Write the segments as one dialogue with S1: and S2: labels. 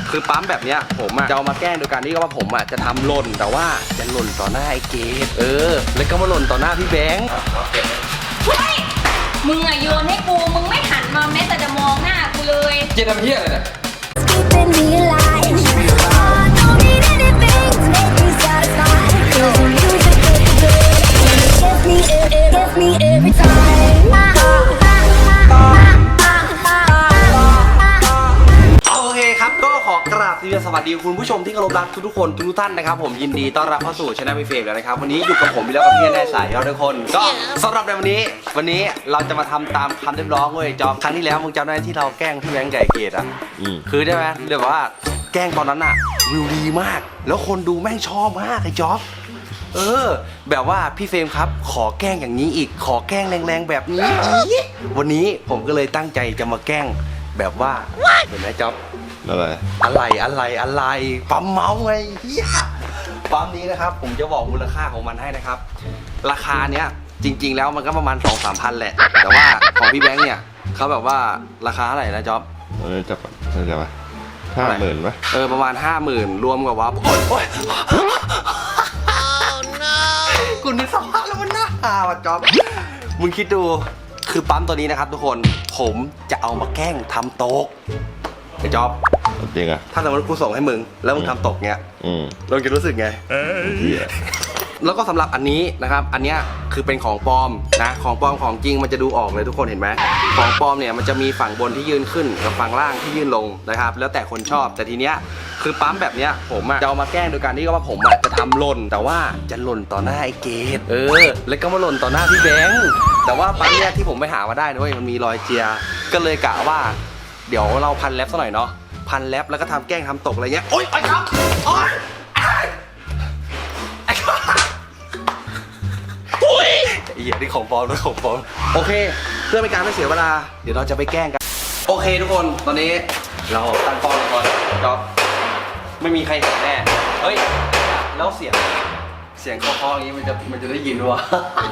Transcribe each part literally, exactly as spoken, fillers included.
S1: คือปั๊มแบบเนี้ยผมอะจะเอามาแกล้งโดยการที่ว่าผมอะจะทำหล่นแต่ว่าจะหล่นต่อหน้าไอ้เกดเออแล้วก็มาหล่นต่อหน้าพี่แบงค์
S2: เฮ้ยมึงอะโยนให้กูมึงไม่หันมาแม้แต่จะมองหน้ากูเลย
S1: เกดทำเหี้ยอะไรเนี่ยสวัสดีคุณผู้ชมที่เคารพรักทุกๆคนทุกท่านนะครับผมยินดีต้อนรับเข้าสู่ช่องพี่เฟรมแล้วนะครับวันนี้อยู่กับผมพี่แล้วกับพี่แน่สายยอดทุกคนก็สำหรับในวันนี้วันนี้เราจะมาทำตามคำเรียกร้องเว้ยจอมครั้งที่แล้วมึงจำได้ที่เราแกล้งพี่แบงค์ไก่เกตอ่ะคือได้ไหมเรียกว่าแกล้งตอนนั้นอ่ะวิวดีมากแล้วคนดูแม่งชอบมากไอ้จ๊อบเออแบบว่าพี่เฟรมครับขอแกล้งอย่างนี้อีกขอแกล้งแรงๆแบบนี้อีกวันนี้ผมก็เลยตั้งใจจะมาแกล้งแบบว่าเห็นไหมจ๊อบ
S3: อะไร
S1: อะไรอะไรอะไรปั๊มเมาส์ไงเฮียปั๊มนี้นะครับผมจะบอกมูลค่าของมันให้นะครับราคาเนี้ยจริงๆแล้วมันก็ประมาณ สองสามพันแหละแต่ว่าของพี่แบงค์เนี่ยเขาแบบว่าราคาเท่าไหร่นะจ๊อบ
S3: เออจะจะจะมาห้าหมื่นปะ
S1: เออประมาณห้าหมื่นรวมกับว่าโอ้ยโอ้ยกูนึกสภาพแล้วมันน่าหาว่ะจ๊อบมึงคิดดูคือปั๊มตัวนี้นะครับทุกคนผมจะเอามาแกล้งทำโต๊ะไอ้จ๊อบ
S3: จริงอะ
S1: ถ้าสมมติกูส่งให้มึงแล้วมึงทำตกเงี้ยเราจะรู้สึกไงแล้วก็สำหรับอันนี้นะครับอันนี้คือเป็นของปลอมนะของปลอมของจริงมันจะดูออกเลยทุกคนเห็นไหมของปลอมเนี่ยมันจะมีฝั่งบนที่ยื่นขึ้นกับฝั่งล่างที่ยื่นลงนะครับแล้วแต่คนชอบแต่ทีเนี้ยคือปั๊มแบบเนี้ยผมอะจะเอามาแกล้งโดยการที่ว่าผมอะจะทำหล่นแต่ว่าจะหล่นต่อหน้าไอ้เกดเออแล้วก็มาหล่นต่อหน้าพี่แบงค์แต่ว่าปั๊มเนี้ยที่ผมไปหามาได้ด้วยมันมีรอยเจียก็เลยกะว่าเดี๋ยวเราพันแรปซะหน่อยเนาะพันแรปแล้วก็ทำแกล้งทำตกอะไรเงี้ยโอ๊ยไอ้ครับโอ๊ยไอ้ครับโอ๊ยไอ้เหี้ยนี่ของปลอมนะของปลอมโอเคเพื่อไม่การไม่เสียเวลาเดี๋ยวเราจะไปแกล้งกันโอเคทุกคนตอนนี้เราตั้งกล้องก่อนจ๊อบไม่มีใครเห็นแน่เฮ้ยแล้วเสียงเสียงเคาะๆอย่างนี้มันจะมันจะได้ยินวะ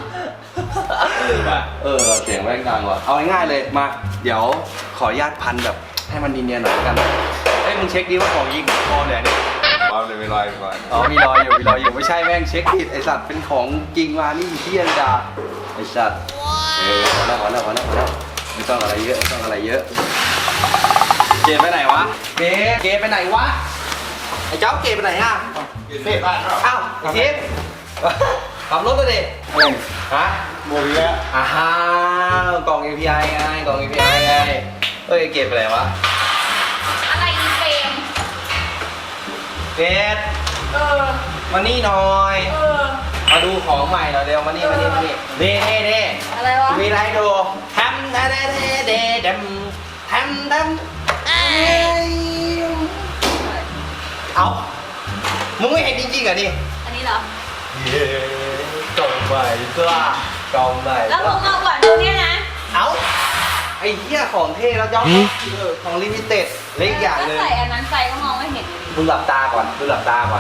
S1: เออเสียงแม่งดังว่ะเอาง่ายๆเลยมาเดี๋ยวขออนุญาตพันแบบให้มันเนียนๆหน่อยกันเฮ้ยมึงเช็คดิว่าของยิงคอเนี่ย
S3: ปามเลยมีรอยก่อน
S1: อ๋อมีรอยอยู่มีรอยอยู่ไม่ใช่แม่งเช็คผิดไอสัตว์เป็นของจริงมานี่เที่ยนจ้าไอสัตว์เออพอแล้วพอแล้วพอแล้วพอแล้วไม่ต้องอะไรเยอะไม่ต้องอะไรเยอะเกไปไหนวะเกเกไปไหนวะไอเจ้าเกไปไหนอ่ะ
S3: เฟ่บ้านเรา
S1: อ้าวไอทิพย์ขับรถเลยดิฮะ
S3: โมบิแล้ว
S1: อ้าวกล่อง เอ พี ไอ ไงกล่อง เอ พี ไอ ไงเฮ้ยเกไปไหนวะ
S2: อะไรอีเฟรม
S1: เกดเออมานี่หน่อยเออมาดูของใหม่หน่อยเร็วมานี่มานี่มานี่เด้เด้เด้
S2: อะไรวะ
S1: มีอะไรดูทำเด้เด้เด้เด้ดำทำดำเอามึงไม่เห็นจริงๆเหรอนี่
S2: อันนี้เหรอ
S1: เย้กล่องใหม่ก็กล่องใหม่
S2: แล้วมึงเอาก่อนดูเนี่ยนะ
S1: เอาไอ้เหี้ยของเท่แล้วจ๊อบของลิมิเต็ดเล็กอย่างเลย
S2: ใส่อันนั้นใส่ก็มองไม่เห็น
S1: มึงหลับตาก่อนมึงหลับตาก่อน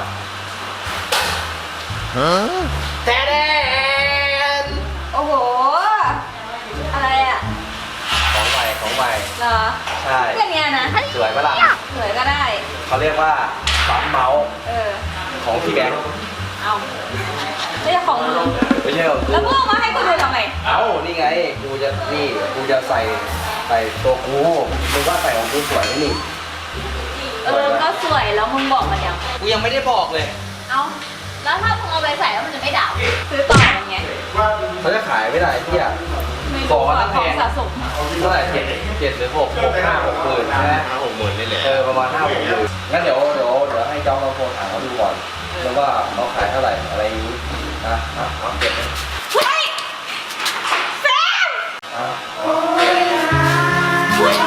S1: ฮะแท้แดน
S2: โอ้โหอะไรอ่ะ
S1: ของใหม่ของใหม่
S2: เหรอ
S1: ใช่
S2: แค่นี้นะ
S1: สวยปะล่ะ
S2: สวยก็ได้
S1: เขาเรียกว่าปั๊มเมาส์
S2: เออ
S1: ของพี่แบงค์
S2: เอาไม่ใช่ของมึง
S1: ไม่ใช่ของกู
S2: แล้วมึงเอามาให้กูดูทำไม
S1: เอ้านี่ไงกูจะนี่กูจะใส่ใส่ตัวกูมึงว่าใส่ของกูสวยไหมนี่
S2: เออก็สวยแล้วมึงบอกมันยัง
S1: กูยังไม่ได้บอกเลย
S2: เอาแล้วถ้ามึงเอาไปใส่แล้วมันจะไม่ด่าซื้อต่อมันไง
S1: เขาจะขายไม่ได้ที่อ่ะ
S2: บอกว่าต้องแพงสะสม
S1: เท่าไหร่เจ็ดเจ็ดหรือหกหกห้าหกหมื่นใช่ไหม
S3: ห้าหกหมื่นนี่แหละ
S1: เออประมาณห้าหกหมื่นงั้นเดี๋ยวเดี๋ยวเดี๋ยวให้เจ้าเราโทรถามเขาดูก่อนแล้วว่าเขาขายเท่าไหร่อะไรนี้นะเอาเก็บเลย
S2: เฮ้ยแฟนเฮ้ย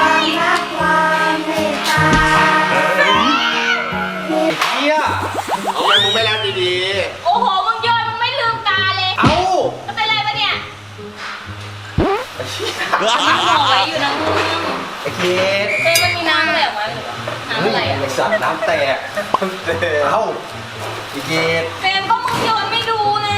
S1: เฮีย
S3: เอาไปมึงไม่รับดี
S2: ๆโอ้โหมึงโยนมึงไม่ลืมตาเลย
S1: เอ้า
S2: จะเป็นไรปะเนี่ย
S1: ไอ้เชี่ย
S2: มันบอกไว้อยู่นะมึง
S1: ไอ้เคส
S2: เต้มันมีน้ำอะไรออกมาหรือน้ำอะไรอ่ะ
S1: ไอ้สัตว์น้ำแตกเอ้าไอ้เคส
S2: เฟมก็มึงโยนไม่ดูนะ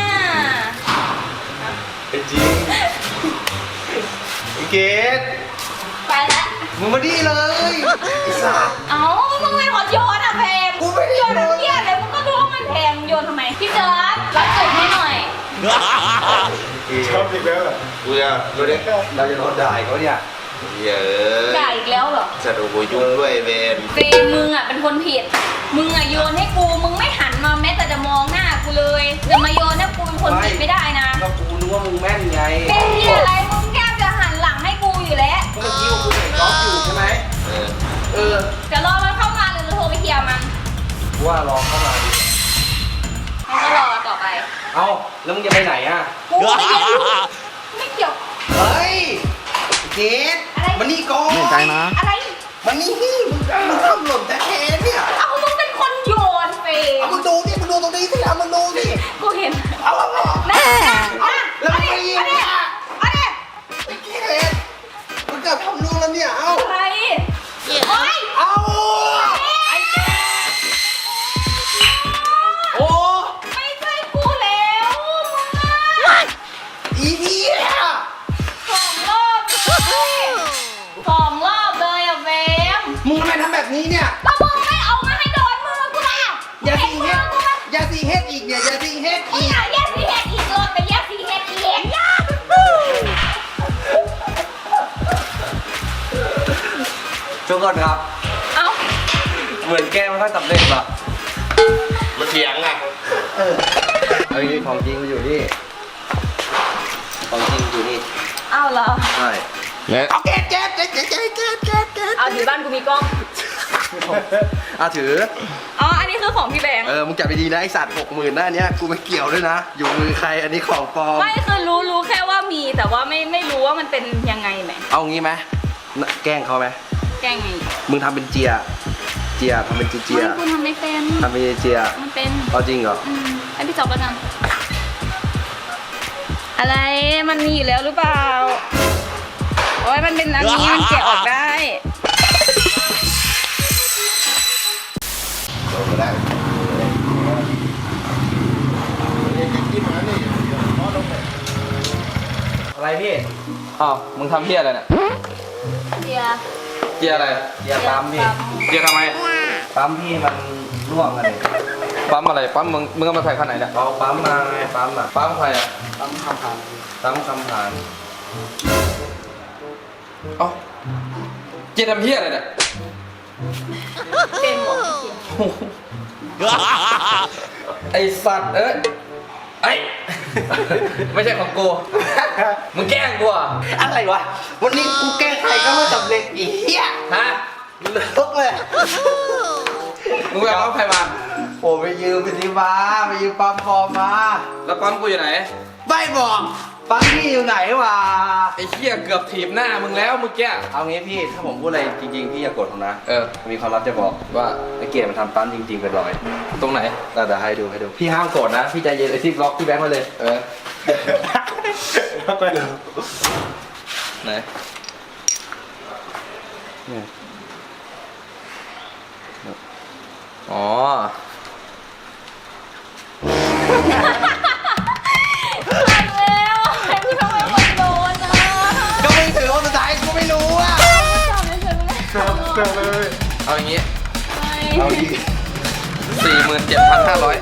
S1: ไอ้จริงไอ้เคส
S2: ไปแล้ว
S1: มึงมาดีเลยไอ้สัตว์
S2: เอ้ามึงไม่ขอโยน
S3: ชอบอีกแล้วเหรอเบื่อดูดิ
S1: เราจะโดนด่าเขาเนี่ย
S3: เยอะ
S2: ด่าอีกแล้วเหรอ
S3: จะดูยุ่งด้วยเวน
S2: เฟรมมึงอ่ะเป็นคนผิด มึงอ่ะโยนให้กู มึงไม่หันมาแม้แต่จะมองหน้ากูเลยจะมาโยนให้กูเป็นคนผิดไม่ได้นะ
S1: ก็กูนึกว่ามึงแม่นไง
S2: เป็นที่อะไรมึงแก้มจะหันหลังให้กูอยู่แล้ว
S1: ก็เมื่อกี้กูเห็นก๊อฟอยู่ใช่ไหม
S3: เออ
S1: เออ
S2: จะรอมันเข้ามาหรือจะโทรไปเคลียร์มัน
S1: กูว่ารอเข้ามาดิ
S2: มันก็รอต่อไป
S1: เอ้าแล้วมึงจะไปไหนอ่ะ
S2: กูไม่เกี่ยวไม่เกี่ยว
S1: เฮ้ยเกด
S2: อะไร
S1: มันนี่ก่อน
S4: ไม่ใจนะ
S2: อะไร
S1: มันนี่มึงมึงทำหล่นแต่เคนเนี่ย
S2: เอามึงเป็นคนโยนเฟรม
S1: เอามึงดูดิมึงดูตรงนี้สิเอามึงดูดิ
S2: กูเห็น
S1: เอาเอาเอา
S2: นะนะ
S1: แล้วมึงไปยิง
S2: เอาดิ
S1: อ่ะ
S2: เอาดิ
S1: ไอ้เกดมึงเกือบทำลูกแล้วเนี่ย เอา
S2: อะไรโอ๊ย
S1: เอาไอ้เกดโอ้
S2: ไม่ใช่กูแล้วมึงอะ
S1: อีเหี้ย
S2: สองรอบเลยสองรอบเลยอะเฟรม
S1: มึงทำไมทำแบบนี้เนี่ย
S2: แล้วมึงไม่เอามาให้โดนมือกูล่ะ
S1: อย่า
S2: เห็
S1: ซี
S2: น
S1: เฮ
S2: มือ
S1: ด
S2: กูไหม
S1: อย่าซีเฮดอีกเนี่ยอย่าซีเฮด
S2: มึง
S1: อีก
S2: อย่าแยกสีเห็ดอีกเลยไปแยกสีเห็ดอีก
S1: ทุกคนครับ
S2: เอ้า
S1: เหมือนแกไม่ค่อยสำเร็จหรอก
S3: มาเถียงอ่ะ
S1: เออเอาจริงของจริงมันอยู่นี่ของจริงอยู่นี่
S2: เอ้าเหรอ
S1: ใช่
S4: และ
S1: เอาเกดเกดเกดเกดเกดเกดเกดเกด
S2: เอาถือบ้านกูมีกล้อง
S1: อ่ะถือ
S2: อ๋อ อันนี้คือของพี่แบงค์
S1: เออ มึงจับไปดีนะไอสัตว์หกหมื่นหน้าเนี้ยกูไม่เกี่ยวด้วยนะ อยู่มือใครอันนี้ของปลอม
S2: ไม่คือรู้รู้แค่ว่ามีแต่ว่าไม่ไม่รู้ว่ามันเป็นยังไงไหม
S1: เอางี้ไหมน่ะแกล้งเขาไหม
S2: แกล้งไง
S1: มึงทำเป็นเจีย เจียทำเป็นเจีย
S2: ไม่กูทำไม่เป็น
S1: ทำเป็นเจีย
S2: มันเป็น
S1: เอาจริงเหรอ
S2: อืมให้พี่จอบแล้วกันอะไรมันมีอยู่แล้วหรือเปล่าโอ้ยมันเป็นอันนี้มันแกะออกได้
S3: ลงมาได้ที่มาเนี่ยพอลงไป
S1: อะไรพี่
S4: อ้าวมึงทำเพี้ยอะไรเนี่ย
S2: เดีย
S4: เพี้ยอะไร
S1: เจียปั๊มพี่
S4: เพี้ยทำไม
S1: ปั๊มพี่มันร่วงกันเลย
S4: ปั๊มอะไรปั๊มมึงมึงเอามาใส่คันไหนเนี่ย
S1: เอาปั๊มมาไงปั๊มอ่ะ
S4: ปั๊มใครอ่ะ
S1: ปั๊มคำผ่านปั๊มคำผ่าน
S4: เอ้าเจียทำเพี้ยอะไรเนี่ย
S2: เป็นหมด
S4: ไอสัตว์เอ้ยไอยไม่ใช่ของกูมึงแกล้งกูอ่ะ
S1: อะไรวะ วันนี้กูแกล้งใครก็ไม่สำเร็จอีเหี้ย
S4: ฮะ
S1: เลิกเลย
S4: มึงไปเอาใครมา
S1: โอ้ไปยืมไปสิมาไปยืมปั๊มปลอมมา
S4: แล้วปั๊มกูอยู่ไหน
S1: ไม่บอกปั๊มพี่อยู่ไหนวะ
S4: ไอ้เหี้ยเกือบถีบหน้ามึงแล้วเมื่อกี้
S1: เอางี้พี่ถ้าผมพูดอะไรจริงๆพี่อย่ากดผมนะ
S4: เออ
S1: มีความลับจะบอก
S4: ว่า
S1: ไอ้เกียรติมันทำปั๊มจริงๆเป็นรอย
S4: ตรงไหน
S1: เดี๋ยวให้ดูให้ดูพี่ห้ามโกรธนะพี่ใจเย็นไอ้ที่ล็อกพี่แบงค์มาเลย
S4: เออ ไหน อ๋อ
S2: แล้วไอ้พี่ทำไมคนโดนอ่ะ
S1: ก็มึงถือว่าสุดท้ายกูไม่รู้อ่ะ
S2: จอบเลยเฉยเลย
S1: เกิดเลย
S4: เอาอย่างงี้
S1: เอาดี
S4: สี่หมื่นเจ็ดพันห้าร้อย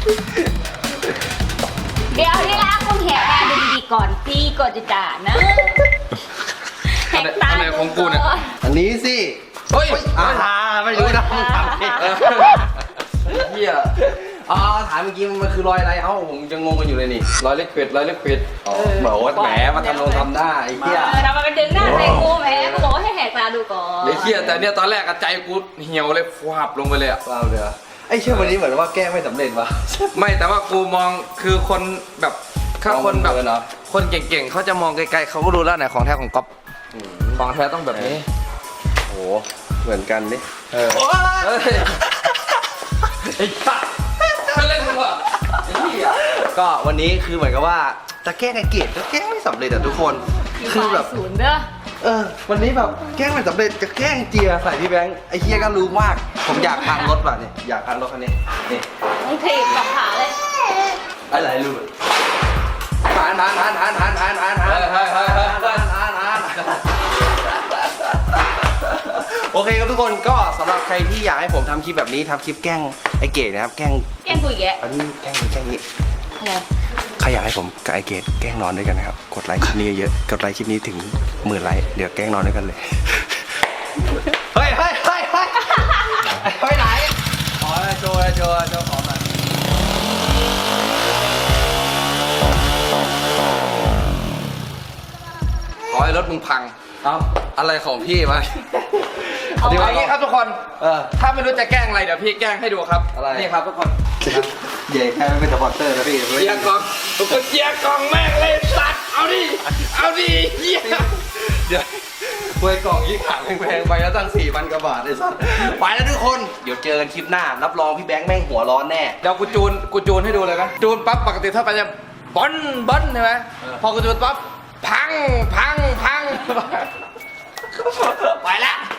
S2: เดี๋ยวที่รักคุณแหกตาดูดีๆก่อนพี่ก่อนจะด่านะแหกตา
S4: อันไหนของกูเนี่ย
S1: อันนี้สิ
S4: เฮ้ย
S1: อ่าไม่รู้นะมึงทำผิด
S4: เออเหี้ย
S1: อ๋อถามเมื่อกี้มันคือรอยอะไรเอ้าผมยังงงกันอยู่เลยนี่
S4: ร้อยลิควิดร้อยลิควิด
S1: อ๋อบอกว่าแหมมาทำลงทำหน้าไอ้เหี้ย
S2: เออทำไมมันดึงหน้าใส่กูแหมกูบอกว่าให้แหกตาดูก่อน
S4: ไอ้เหี้ยแต่เนี่ยตอนแรกอะใจกูเหี่ยวเลยฟาบลงไปเลยอะ
S1: เปล่าเลยไอ้เชื่อวันนี้เหมือนว่าแก้ไม่สำเร็จว่ะ
S4: ไม่แต่ว่ากูมองคือคนแบบถ้าคนแบบ
S1: มองเหมือนเนอะ
S4: คนเก่งๆเขาจะมองไกลๆเขาก็รู้แล้วไหนของแท้ของก๊อปของแท้ต้องแบบนี้
S1: โอ้เหมือนกันนี่
S4: เออเฮ้ยไอ้สัสไม่เล่นมึงเหรอไอ้เหี้ย
S1: ก็วันนี้คือเหมือนกับว่าจะแกล้งไอ้เกดก็แกล้งไม่สำเร็จอะทุกคน คือแบบ
S2: ศูนย์เด้อ
S1: เออ วันนี้แบบแกล้งไม่สำเร็จจะแกล้งเจียใส่พี่แบงค์ไอ้เฮียก็รู้มาก ผมอยากพังรถว่ะเนี่ยอยากพังรถคันนี้นี่
S2: มึงถีบกับขาเลย
S1: อะไรรู้หานหานหานหานหานหานหานหาน
S4: เฮ้ยเฮ้ยเฮ้ยเฮ้ยเฮ้ย
S1: หานหานโอเคครับทุกคนก็สำหรับใครที่อยากให้ผมทำคลิปแบบนี้ทำคลิปแกล้งไอ้เก๋นะครับแกล้ง
S2: แกล้งกูอีกแก
S1: อันนี้แกล้งแกล้งนี้
S2: อะไร
S1: ใครอยากให้ผมกับไอเกตแกล้งนอนด้วยกันนะครับกดไลค์คลิปนี้เยอะกดไลค์คลิปนี้ถึงหมื่นไลค์เดี๋ยวแกล้งนอนด้วยกันเลยเฮ้ยเฮ้ยเฮ้ยเฮ้ยไปไหนอ๋อโจโจโจขอมาขอให้รถมึงพัง
S4: เอา
S1: อะไรของพี่มา
S4: เอาอย่างนี้ครับทุกคน
S1: เออ
S4: ถ้าไม่รู้จะแกล้งอะไรเดี๋ยวพี่แกล้งให้ดูครับ
S1: อะไร
S4: นี่ครับทุกคน
S1: ใหญ่แค่ไม่เป็นสปอนเซอร์นะพี่
S4: เจียกล่องทุกคนเจียกล่องแม่งเลยสัตว์เอาดิเอาดิเหี้ย
S1: เดี๋ยวเวยกล่องยี่ขาแพงๆไปแล้วตั้งสี่พันกว่าบาทไอ้สัสไปแล้วทุกคนเดี๋ยวเจอกันคลิปหน้ารับรองพี่แบงค์แม่งหัวร้อนแน่
S4: เดี๋ยวกูจูนกูจูนให้ดูเลยนะจูนปั๊บปกติถ้าไปจะบอนบอนใช่ไหมพอกูจูนปั๊บพังพังพังไปแล้ว